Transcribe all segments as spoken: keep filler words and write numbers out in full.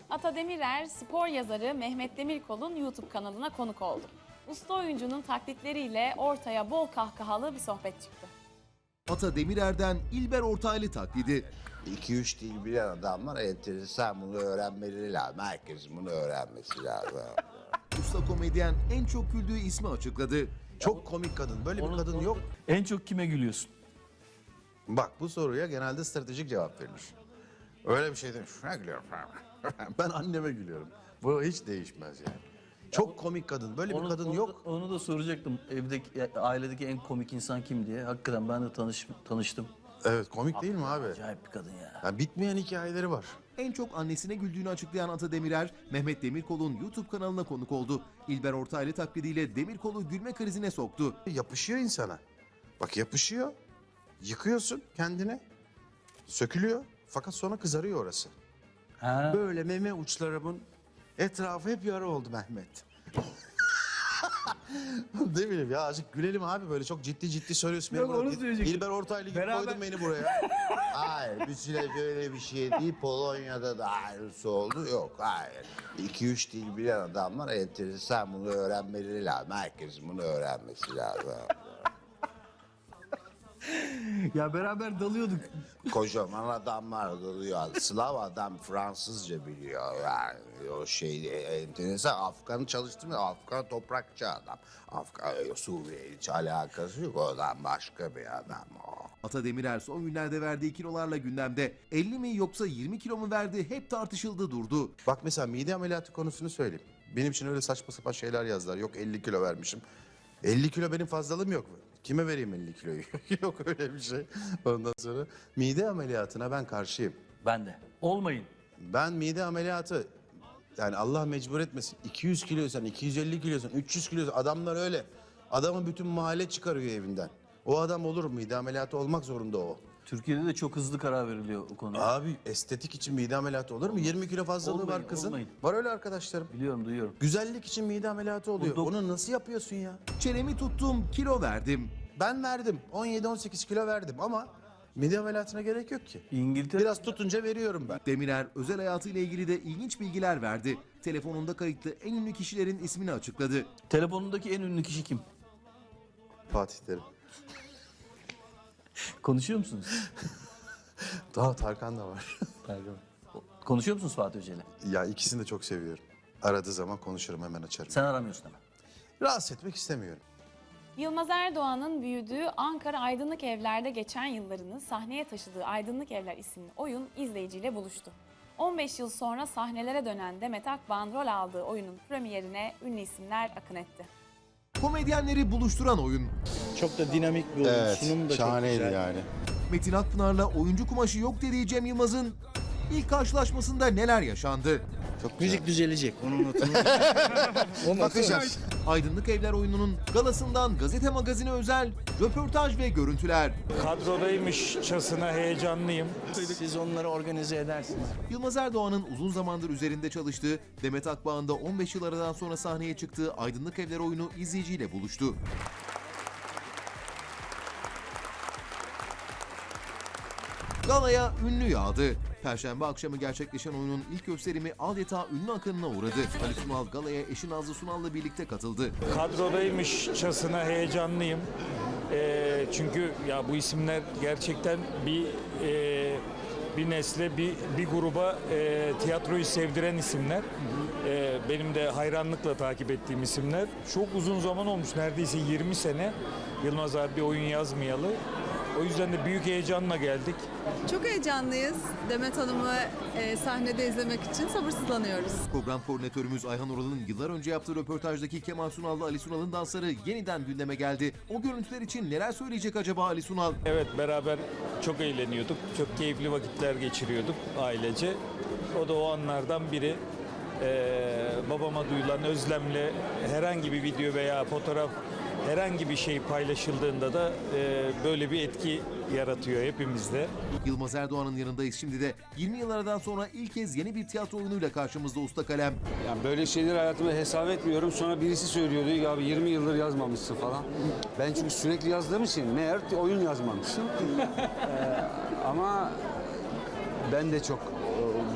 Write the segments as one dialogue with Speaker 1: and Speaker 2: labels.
Speaker 1: Ata Demirer, spor yazarı Mehmet Demirkol'un YouTube kanalına konuk oldu. Usta oyuncunun taklitleriyle ortaya bol kahkahalı bir sohbet çıktı.
Speaker 2: Ata Demirer'den İlber Ortaylı taklidi.
Speaker 3: iki üç dil bilen adamlar enteresan, bunu öğrenmeleri lazım. Herkesin bunu öğrenmesi lazım.
Speaker 2: Usta komedyen en çok güldüğü ismi açıkladı.
Speaker 4: Çok komik kadın. Böyle bir kadın yok.
Speaker 5: En çok kime gülüyorsun?
Speaker 4: Bak, bu soruya genelde stratejik cevap verilir. Öyle bir şey demiş. Ne gülüyorum? Ben anneme gülüyorum. Bu hiç değişmez yani. Çok komik kadın. Böyle bir kadın
Speaker 5: onu
Speaker 4: yok.
Speaker 5: Da, onu da soracaktım. Evdeki, ailedeki en komik insan kim diye. Hakikaten ben de tanış, tanıştım.
Speaker 4: Evet, komik değil mi abi?
Speaker 5: Acayip bir kadın ya.
Speaker 4: Yani bitmeyen hikayeleri var.
Speaker 2: En çok annesine güldüğünü açıklayan Ata Demirer, Mehmet Demirkol'un YouTube kanalına konuk oldu. İlber Ortaylı taklidiyle Demirkol'u gülme krizine soktu.
Speaker 4: Yapışıyor insana. Bak, yapışıyor. Yıkıyorsun kendini. Sökülüyor. Fakat sonra kızarıyor orası.
Speaker 5: Ha.
Speaker 4: Böyle meme uçlarımın etrafı hep yara oldu Mehmet. Ne bileyim ya, azıcık gülelim abi, böyle çok ciddi ciddi söylüyorsun.
Speaker 5: Yok,
Speaker 4: Beni
Speaker 5: onu
Speaker 4: buraya-
Speaker 5: söyleyecektim.
Speaker 4: İlber Ortaylı gibi
Speaker 5: Beraber-
Speaker 4: koydun beni buraya.
Speaker 3: Hayır, bir süre böyle bir şey değil. Polonya'da da aynısı oldu. Yok, hayır. iki üç dil bilen adamlar enteresan, bunu öğrenmeleri lazım. Herkesin bunu öğrenmesi lazım.
Speaker 5: Ya beraber dalıyorduk.
Speaker 3: Kocaman adamlar oluyor. Slav adam Fransızca biliyor yani. O şey enteresan. Afgan'ı çalıştırmıyor. Afgan toprakçı adam. Afgan, Suriye hiç alakası yok. O adam başka bir adam o.
Speaker 2: Ata Demirer son günlerde verdiği kilolarla gündemde. elli mi yoksa yirmi kilo mu verdi hep tartışıldı durdu.
Speaker 4: Bak mesela mide ameliyatı konusunu söyleyeyim. Benim için öyle saçma sapan şeyler yazdılar. Yok elli kilo vermişim. elli kilo benim fazlalığım yok. Kime vereyim elli kiloyu? Yok öyle bir şey. Ondan sonra mide ameliyatına ben karşıyım.
Speaker 5: Ben de. Olmayın.
Speaker 4: Ben mide ameliyatı, yani Allah mecbur etmesin. iki yüz kiloysan, iki yüz elli kiloysan, üç yüz kiloysan, adamlar öyle. Adamın bütün mahalle çıkarıyor evinden. O adam olur, mide ameliyatı olmak zorunda o.
Speaker 5: Türkiye'de de çok hızlı karar veriliyor o konuda.
Speaker 4: Abi estetik için mide ameliyatı olur mu? yirmi kilo fazlalığı
Speaker 5: Olmayın,
Speaker 4: var kızın.
Speaker 5: olmayın.
Speaker 4: Var öyle arkadaşlarım.
Speaker 5: Biliyorum, duyuyorum.
Speaker 4: Güzellik için mide ameliyatı oluyor.
Speaker 5: Bu dok-
Speaker 4: Onu nasıl yapıyorsun ya?
Speaker 2: Çenemi tuttum, kilo verdim.
Speaker 4: Ben verdim. on yedi on sekiz kilo verdim ama mide ameliyatına gerek yok ki.
Speaker 5: İngiltere...
Speaker 4: Biraz tutunca veriyorum ben.
Speaker 2: Demirer özel hayatıyla ilgili de ilginç bilgiler verdi. Telefonunda kayıtlı en ünlü kişilerin ismini açıkladı.
Speaker 5: Telefonundaki en ünlü kişi kim?
Speaker 4: Fatih Terim.
Speaker 5: Konuşuyor musunuz?
Speaker 4: Daha Tarkan da var.
Speaker 5: Konuşuyor musunuz Fatih Hoca'yla?
Speaker 4: Ya ikisini de çok seviyorum. Aradığı zaman konuşurum, hemen açarım.
Speaker 5: Sen aramıyorsun ama.
Speaker 4: Rahatsız etmek istemiyorum.
Speaker 1: Yılmaz Erdoğan'ın büyüdüğü Ankara Aydınlık Evler'de geçen yıllarını sahneye taşıdığı Aydınlık Evler isimli oyun izleyiciyle buluştu. on beş yıl sonra sahnelere dönen Demet Akbağ'ın rol aldığı oyunun premierine ünlü isimler akın etti.
Speaker 2: Komedyenleri buluşturan oyun.
Speaker 6: Çok da dinamik bir oyun. Sunum da çok güzel.
Speaker 4: yani.
Speaker 2: Metin Akpınar'la oyuncu kumaşı yok dediği Cem Yılmaz'ın ilk karşılaşmasında neler yaşandı?
Speaker 4: Çok
Speaker 6: Müzik düzelecek. Onun notunu. O
Speaker 4: bakacağız.
Speaker 2: Aydınlık Evler oyununun galasından gazete magazine özel röportaj ve görüntüler.
Speaker 7: Kadrodaymışçasına heyecanlıyım.
Speaker 6: Siz onları organize edersiniz.
Speaker 2: Yılmaz Erdoğan'ın uzun zamandır üzerinde çalıştığı, Demet Akbağ'ın da on beş yıl aradan sonra sahneye çıktığı Aydınlık Evler oyunu izleyiciyle buluştu. Galaya ünlü yağdı. Perşembe akşamı gerçekleşen oyunun ilk gösterimi adeta ünlü akınına uğradı. Ali Sunal galaya eşi Nazlı Sunal'la birlikte katıldı.
Speaker 7: Kadrodaymışçasına heyecanlıyım. Ee, çünkü ya bu isimler gerçekten bir e, bir nesle, bir bir gruba e, tiyatroyu sevdiren isimler. Ee, benim de hayranlıkla takip ettiğim isimler. Çok uzun zaman olmuş, neredeyse yirmi sene Yılmaz abi bir oyun yazmayalı. O yüzden de büyük heyecanla geldik.
Speaker 8: Çok heyecanlıyız. Demet Hanım'ı e, sahnede izlemek için sabırsızlanıyoruz.
Speaker 2: Program koordinatörümüz Ayhan Ural'ın yıllar önce yaptığı röportajdaki Kemal Sunal'la Ali Sunal'ın dansları yeniden gündeme geldi. O görüntüler için neler söyleyecek acaba Ali Sunal?
Speaker 7: Evet, beraber çok eğleniyorduk. Çok keyifli vakitler geçiriyorduk ailece. O da o anlardan biri. Ee, babama duyulan özlemle herhangi bir video veya fotoğraf, herhangi bir şey paylaşıldığında da e, böyle bir etki yaratıyor hepimizde.
Speaker 2: Yılmaz Erdoğan'ın yanındayız şimdi de yirmi yıl aradan sonra ilk kez yeni bir tiyatro oyunuyla karşımızda usta kalem.
Speaker 9: Yani böyle şeyleri hayatımda hesap etmiyorum. Sonra birisi söylüyordu ya abi yirmi yıldır yazmamışsın falan. Ben çünkü sürekli yazdığım için meğer oyun yazmamışım. Ee, ama ben de çok e, bu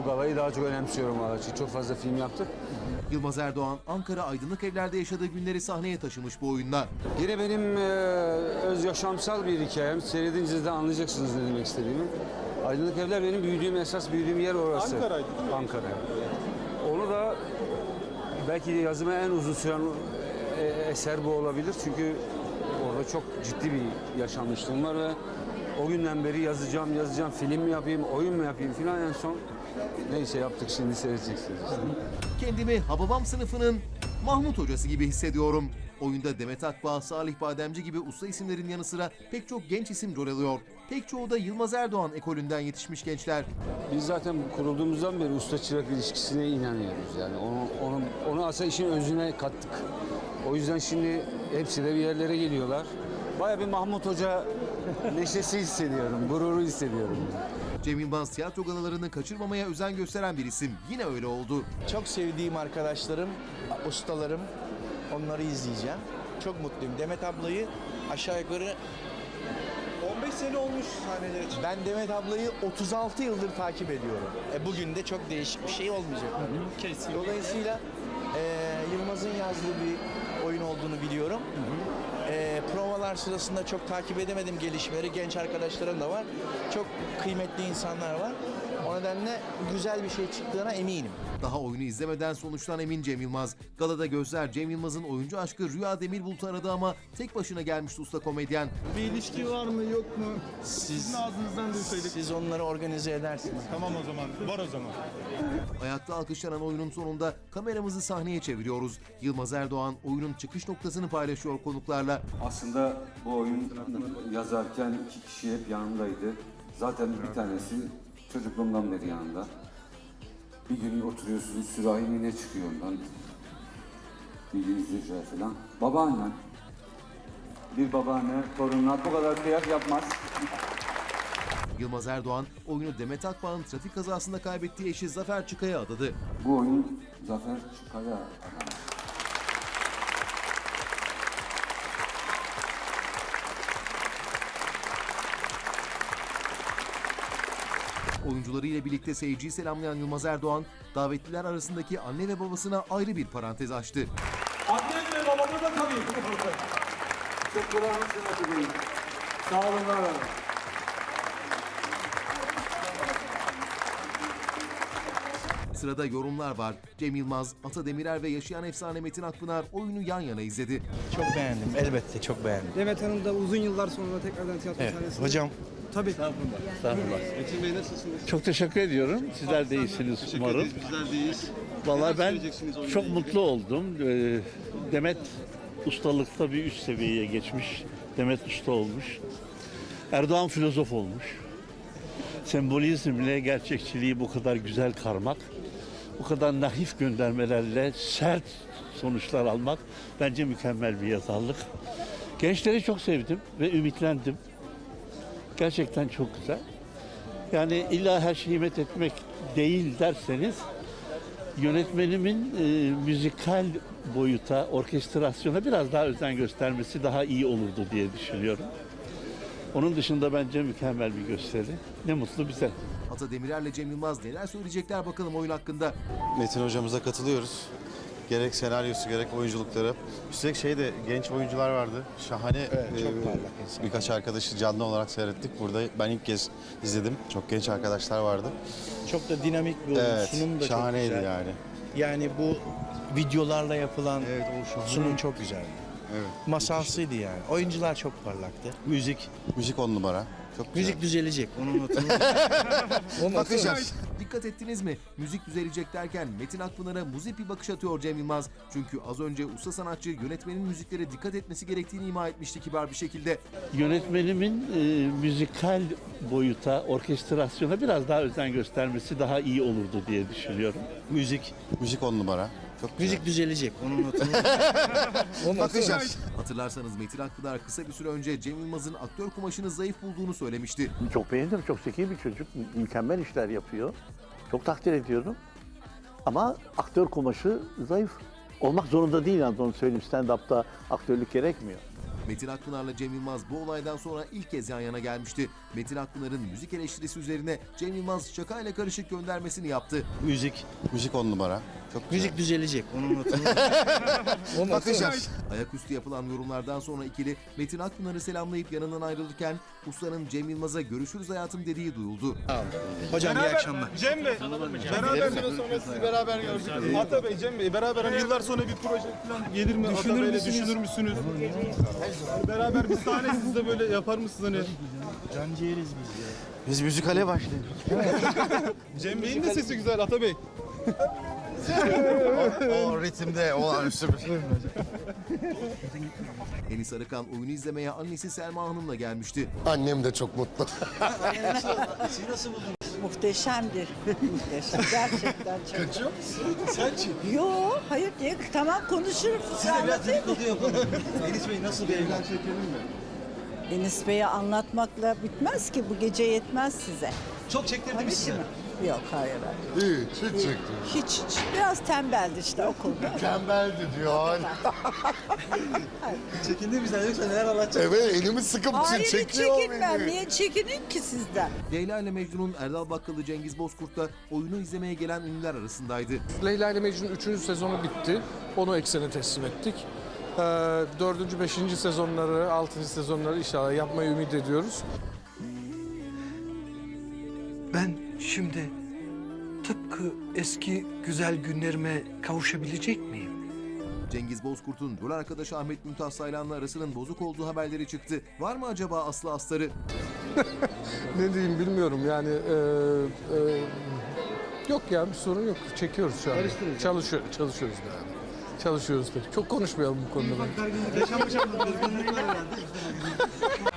Speaker 9: galayı daha çok önemsiyorum valla. Çünkü çok fazla film yaptık.
Speaker 2: Yılmaz Erdoğan, Ankara Aydınlık Evler'de yaşadığı günleri sahneye taşımış bu oyunda.
Speaker 9: Yine benim e, öz yaşamsal bir hikayem. Seyredince de anlayacaksınız ne demek istediğimi. Aydınlık Evler benim büyüdüğüm, esas büyüdüğüm yer orası.
Speaker 10: Ankara'ydı.
Speaker 9: Ankara. Onu da belki de yazıma en uzun süren e, eser bu olabilir. Çünkü orada çok ciddi bir yaşanmışlığım var ve o günden beri yazacağım, yazacağım, film mi yapayım, oyun mu yapayım filan en son neyse yaptık, şimdi seyredeceksiniz işte.
Speaker 2: Kendimi Hababam sınıfının Mahmut hocası gibi hissediyorum. Oyunda Demet Akbağ, Salih Bademci gibi usta isimlerin yanı sıra pek çok genç isim rol alıyor. Pek çoğu da Yılmaz Erdoğan ekolünden yetişmiş gençler.
Speaker 9: Biz zaten kurulduğumuzdan beri usta çırak ilişkisine inanıyoruz. Yani onu, onu, onu aslında işin özüne kattık. O yüzden şimdi hepsi de bir yerlere geliyorlar. Bayağı bir Mahmut Hoca neşesi hissediyorum, gururu hissediyorum.
Speaker 2: Cem Yılmaz tiyatro galalarını kaçırmamaya özen gösteren bir isim. Yine öyle oldu.
Speaker 6: Çok sevdiğim arkadaşlarım, ustalarım, onları izleyeceğim. Çok mutluyum. Demet ablayı aşağı yukarı
Speaker 10: on beş sene olmuş sahneler için.
Speaker 6: ben Demet ablayı otuz altı yıldır takip ediyorum. E bugün de çok değişik bir şey olmayacak.
Speaker 10: Kesin.
Speaker 6: Dolayısıyla e, Yılmaz'ın yazdığı bir oyun olduğunu biliyorum. E, provalar sırasında çok takip edemedim gelişmeleri. Genç arkadaşlarım da var. Çok kıymetli insanlar var. O nedenle güzel bir şey çıktığına eminim.
Speaker 2: Daha oyunu izlemeden sonuçtan emin Cem Yılmaz. Galada gözler Cem Yılmaz'ın oyuncu aşkı Rüya Demirbulut'u aradı ama tek başına gelmişti usta komedyen.
Speaker 10: Bir ilişki var mı yok mu?
Speaker 6: Siz,
Speaker 10: Sizin ağzınızdan duysaydık.
Speaker 6: siz onları organize edersiniz.
Speaker 10: Tamam o zaman. Var o zaman.
Speaker 2: Ayakta alkışlanan oyunun sonunda kameramızı sahneye çeviriyoruz. Yılmaz Erdoğan oyunun çıkış noktasını paylaşıyor konuklarla.
Speaker 9: Aslında bu oyun yazarken iki kişi hep yanımdaydı. Zaten bir tanesi çocukluğumdan beri yanımda. Bir gün oturuyorsunuz, sürahi ne çıkıyor ondan. Bir izleyiciler falan. Babaannem. Bir babaanne torununa bu kadar kıyak yapmaz.
Speaker 2: Yılmaz Erdoğan oyunu Demet Akbağ'ın trafik kazasında kaybettiği eşi Zafer Çıkay'a adadı.
Speaker 9: Bu oyun Zafer Çıkaya adam.
Speaker 2: Oyuncularıyla birlikte seyirciyi selamlayan Yılmaz Erdoğan, davetliler arasındaki anne ve babasına ayrı bir parantez açtı.
Speaker 10: Annem ve babamı da tanıyın.
Speaker 9: Çok kulağınızı Sağ olun, var olun.
Speaker 2: Sırada yorumlar var. Cem Yılmaz, Ata Demirer ve yaşayan efsane Metin Akpınar oyunu yan yana izledi.
Speaker 6: Çok beğendim. Elbette çok beğendim.
Speaker 10: Demet Hanım da uzun yıllar sonra tekrardan tiyatro
Speaker 6: Evet.
Speaker 10: sahnesinde.
Speaker 6: Hocam
Speaker 10: Tabii.
Speaker 11: Estağfurullah.
Speaker 10: Metin Bey nasılsınız?
Speaker 11: Çok teşekkür ediyorum. Sizler de iyisiniz umarım.
Speaker 10: Bizler deyiz.
Speaker 11: Vallahi ben
Speaker 10: söyleyeceksiniz oyunla
Speaker 11: çok
Speaker 10: ilgili?
Speaker 11: mutlu oldum. Ee, Demet ustalıkta bir üst seviyeye geçmiş. Demet usta olmuş. Erdoğan filozof olmuş. Sembolizmle gerçekçiliği bu kadar güzel karmak, bu kadar naif göndermelerle sert sonuçlar almak bence mükemmel bir yazarlık. Gençleri çok sevdim ve ümitlendim. Gerçekten çok güzel. Yani illa her şeyi met etmek değil derseniz, yönetmenimin e, müzikal boyuta, orkestrasyona biraz daha özen göstermesi daha iyi olurdu diye düşünüyorum. Onun dışında bence mükemmel bir gösteri. Ne mutlu bize.
Speaker 2: Ata Demirer'le Cem Yılmaz neler söyleyecekler bakalım oyun hakkında.
Speaker 4: Metin hocamıza katılıyoruz. Gerek senaryosu gerek oyunculukları. Üstelik şey de genç oyuncular vardı. Şahane.
Speaker 6: Evet, çok
Speaker 4: e,
Speaker 6: parlak insan.
Speaker 4: Birkaç arkadaşı canlı olarak seyrettik. Burada ben ilk kez izledim. Çok genç arkadaşlar vardı.
Speaker 6: çok da dinamik bir oyun.
Speaker 4: Evet,
Speaker 6: Sunum da
Speaker 4: şahaneydi
Speaker 6: çok güzel.
Speaker 4: yani.
Speaker 6: Yani bu videolarla yapılan
Speaker 4: Evet, o şahane.
Speaker 6: sunum çok güzeldi.
Speaker 4: Evet.
Speaker 6: Masalsıydı yani. Oyuncular çok parlaktı. Müzik.
Speaker 4: Müzik on numara. Çok güzel.
Speaker 6: Müzik düzelecek. Onu unutun.
Speaker 4: Bakacağız.
Speaker 2: Dikkat ettiniz mi? Müzik düzelecek derken Metin Akpınar'a muzip bir bakış atıyor Cem Yılmaz. Çünkü az önce usta sanatçı yönetmenin müziklere dikkat etmesi gerektiğini ima etmişti kibar bir şekilde.
Speaker 11: Yönetmenimin e, müzikal boyuta, orkestrasyona biraz daha özen göstermesi daha iyi olurdu diye düşünüyorum.
Speaker 6: Müzik.
Speaker 4: Müzik on numara. Çok güzel.
Speaker 6: Müzik düzelecek. Onu unutun.
Speaker 4: Bakacağız.
Speaker 2: Hatırlarsanız Metin Akpınar kısa bir süre önce Cem Yılmaz'ın aktör kumaşını zayıf bulduğunu söylemişti.
Speaker 11: Çok beğendim. Çok zeki bir çocuk. Mükemmel işler yapıyor. Çok takdir ediyorum. Ama aktör kumaşı zayıf. Olmak zorunda değil, yani onu söyleyeyim. Stand-up'ta aktörlük gerekmiyor.
Speaker 2: Metin Akpınar'la Cem Yılmaz bu olaydan sonra ilk kez yan yana gelmişti. Metin Akpınar'ın müzik eleştirisi üzerine Cem Yılmaz şakayla karışık göndermesini yaptı.
Speaker 4: Müzik, müzik on numara. Çok güzel.
Speaker 6: Müzik düzelecek. Onu unutun.
Speaker 4: Bakacağız.
Speaker 2: Ayaküstü yapılan yorumlardan sonra ikili Metin Akpınar'ı selamlayıp yanından ayrılırken ustanın Cem Yılmaz'a görüşürüz hayatım dediği duyuldu.
Speaker 6: Hocam iyi akşamlar.
Speaker 10: Cem Bey, beraber bir yıl sonra sizi beraber gördük. Ata Bey, Cem Bey, beraber hani yıllar sonra bir proje falan gelir mi? Ata Bey'le düşünür müsünüz? Hani beraber bir sahne siz de böyle yapar mısınız hani?
Speaker 6: Canciğeriz biz ya.
Speaker 4: Biz müzikale başladık.
Speaker 10: Cem Bey'in de sesi güzel Ata Bey.
Speaker 4: o, o ritimde olağanüstü bir şey.
Speaker 2: Enis Arıkan oyunu izlemeye annesi Selma Hanım'la gelmişti.
Speaker 3: Annem de çok mutlu.
Speaker 12: Muhteşemdir. Muhteşem. Gerçekten çok.
Speaker 10: Kaçıyor musun? Sen çık.
Speaker 12: Yo, hayır diye tamam konuşurum. Size anlatayım mı?
Speaker 6: Enis Bey nasıl bir evlen çekelim mi?
Speaker 12: Enis Bey'e anlatmakla bitmez ki. Bu gece yetmez size.
Speaker 6: Çok çektirdi
Speaker 12: Tabii
Speaker 6: mi
Speaker 12: ki
Speaker 6: size?
Speaker 12: mi? Yok, hayır hayır.
Speaker 3: Hiç, hiç çekti.
Speaker 12: Hiç hiç. Biraz tembeldi işte o konuda.
Speaker 3: Tembeldi diyor hala.
Speaker 6: Çekindi bizden yoksa neler anlatacak?
Speaker 3: Evet, elimi sıkıp
Speaker 12: Hayır hiç
Speaker 3: çekiyor
Speaker 12: çekinmem.
Speaker 3: beni.
Speaker 12: Niye çekinin ki sizden?
Speaker 2: Leyla ile Mecnun'un Erdal Bakkalı Cengiz Bozkurt da oyunu izlemeye gelen ünlüler arasındaydı.
Speaker 10: Leyla ile Mecnun üçüncü sezonu bitti. Onu eksene teslim ettik. Ee, dördüncü, beşinci sezonları, altıncı sezonları inşallah yapmayı ümit ediyoruz.
Speaker 13: Ben şimdi tıpkı eski güzel günlerime kavuşabilecek miyim?
Speaker 2: Cengiz Bozkurt'un rol arkadaşı Ahmet Mümtaz Saylan'la arasının bozuk olduğu haberleri çıktı. Var mı acaba aslı astarı?
Speaker 10: Ne diyeyim bilmiyorum yani. e, e, yok ya bir sorun yok. Çekiyoruz şu an. Çalışıyor, çalışıyoruz yani. Çalışıyoruz da. Çok konuşmayalım bu konuda.
Speaker 6: Yaşanmış anlatıyoruz.